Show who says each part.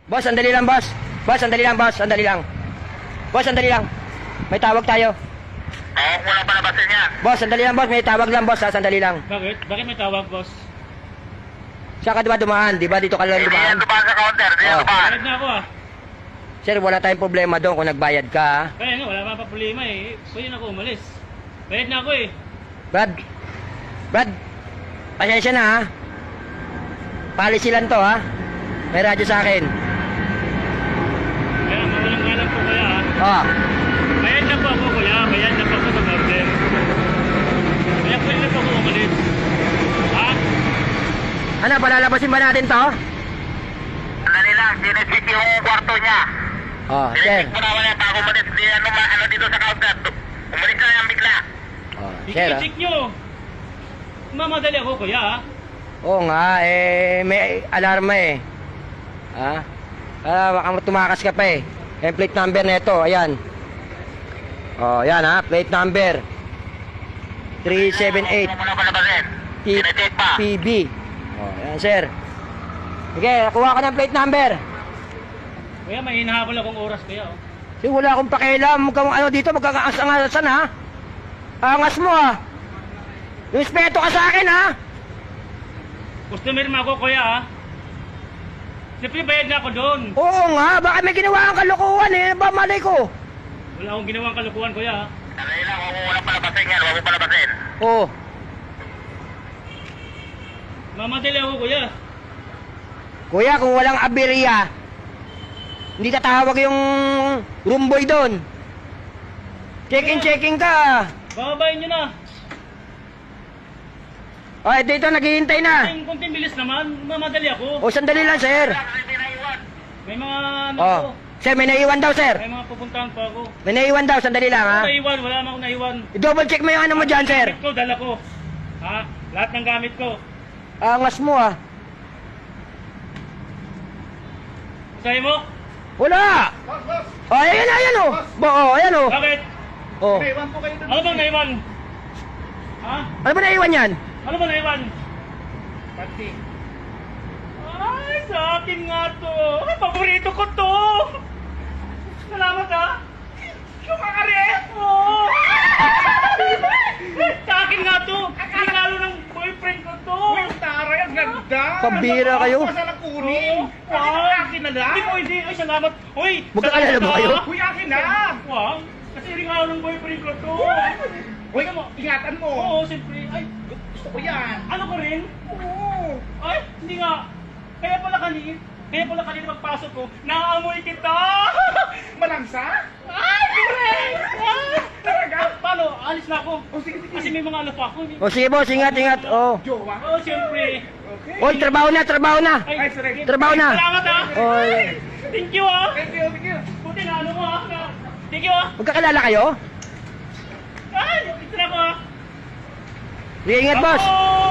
Speaker 1: Boss, sandali lang, boss. Boss, sandali lang, boss. Sandali lang. Boss, sandali lang. May tawag tayo.
Speaker 2: Walang palabasin yan.
Speaker 1: Boss, sandali lang, boss. May tawag lang, boss. Ha? Sandali lang.
Speaker 3: Bakit? Bakit may tawag, boss?
Speaker 1: Siya ka diba dumaan? Diba dito ka lang
Speaker 2: Hindi
Speaker 1: dumaan?
Speaker 2: yan dumaan sa counter. Hindi yan
Speaker 1: Oh.
Speaker 2: dumaan.
Speaker 3: Bayad na ako ah.
Speaker 1: Sir, wala tayong problema doon kung nagbayad ka. Ha?
Speaker 3: Kaya nga, wala pa problema eh. Pwede na ako umalis. Bayad na ako eh.
Speaker 1: Brad, pasensya na, ha? Policy lang to, ha? May radyo sa akin.
Speaker 3: Kaya mawalang galang po kuya ah.
Speaker 1: Oh.
Speaker 3: Bayad na po ako kuya. Bayad na po ako sa order. Kaya pwede na po ako umalis. Ha?
Speaker 1: Ano, palalabasin ba natin to?
Speaker 2: Sandali lang. Sinisik yung kwarto niya.
Speaker 1: Oh, sir.
Speaker 2: Sinisik mo naman yan bago umalis. Di ano dito sa counter. Umalis na yan bigla.
Speaker 1: Oh, sir, ha?
Speaker 3: I-check nyo. Mamadali ako kuya ah.
Speaker 1: Oo nga, may alarma eh. Ha? Baka tumakas ka pa eh. Yung plate number na ito, ayan. Oh, yan ha, plate number 378
Speaker 2: Wala mo na palabasin. Sinisik pa.
Speaker 1: PB. Oh, yan sir. Sige, kuha ka ng plate number.
Speaker 3: Kuya, may hinahabol akong oras kuya oh.
Speaker 1: Sige, wala akong pakialam. Mukhang ano dito, magkakaangas-angasan ha. Angas mo ha. Respeto ka sa akin ha.
Speaker 3: Customer mo ako kuya ah. Siyempre bayad na ako doon.
Speaker 1: Oo nga, baka may ginawa kang kalokohan eh. Ba malay ko?
Speaker 3: Wala akong ginawang kalukuhan kuya ah.
Speaker 2: Sandali lang. Huwag mo walang palabasin yan. Huwag mo palabasin.
Speaker 1: Oo.
Speaker 3: Mamadali ako kuya.
Speaker 1: Kuya, kung walang aberya, hindi tatawag yung room boy doon. Check-in ka.
Speaker 3: Bababayin nyo na.
Speaker 1: Ay, dito, naghihintay na.
Speaker 3: Kunting bilis naman. Mamadali ako.
Speaker 1: O, sandali lang, sir.
Speaker 2: Hindi na iwan.
Speaker 3: May mga ano
Speaker 1: Oh,
Speaker 3: ko.
Speaker 1: sir, may naiwan daw, sir.
Speaker 3: May mga pupuntahan pa ako.
Speaker 1: May naiwan daw, sandali lang, ha.
Speaker 3: Naiwan, wala na akong naiwan.
Speaker 1: I-double check mo yung ano mo dyan, sir.
Speaker 3: Gamit ko, dala ko. Ha? Lahat ng gamit ko.
Speaker 1: Angas mo, ah.
Speaker 3: Sabi mo?
Speaker 1: Wala. Oh, ayan, oh. Oh, ayan, oh.
Speaker 3: Bakit?
Speaker 1: Oh.
Speaker 3: Ano bang naiwan? Ha?
Speaker 1: Ano ba naiwan yan?
Speaker 3: Ano ba naiwan? Pati. Ay, sa akin nga to. Ay, paborito ko to. Salamat ha. Yung akares mo. Sa akin nga to. Regalo ng boyfriend ko to.
Speaker 4: Taray, ang ganda!
Speaker 1: Pambira kayo.
Speaker 4: Ano na kunin?
Speaker 3: Wow.
Speaker 4: Kasi akin na lang!
Speaker 3: Hindi po, hindi. Ay, salamat. Uy,
Speaker 1: Magkakalala ba kayo?
Speaker 4: Uy, akin na!
Speaker 3: Wow. Kasi regalo ng boyfriend ko to.
Speaker 4: Uy, ingatan mo!
Speaker 3: Oo, siyempre. Ay,
Speaker 4: Gusto ko yan!
Speaker 3: ano ko rin?
Speaker 4: Oo!
Speaker 3: Ay, hindi nga. Kaya pala kanina pagpasok ko, naamoy kita!
Speaker 4: Malangsa?
Speaker 3: Ay, correct!
Speaker 4: Talaga?
Speaker 3: Paano? Alis na ako.
Speaker 4: Oh, sige, sige.
Speaker 3: Kasi may mga ano pa ako.
Speaker 1: O, sige, boss, ingat. Oh.
Speaker 4: Jowa?
Speaker 3: Oo, siyempre.
Speaker 4: Okay.
Speaker 1: Oy, trabaho na.
Speaker 4: Ay, sorry.
Speaker 1: Trabaho na.
Speaker 3: Salamat ha!
Speaker 1: Oy.
Speaker 3: Thank you ha!
Speaker 4: Thank you, thank you.
Speaker 3: Buti na ano mo ha! Thank you ha!
Speaker 1: Magkakilala kayo?
Speaker 3: Ay, ito na ako ha!
Speaker 1: Sige, ingat, boss.
Speaker 3: Ako!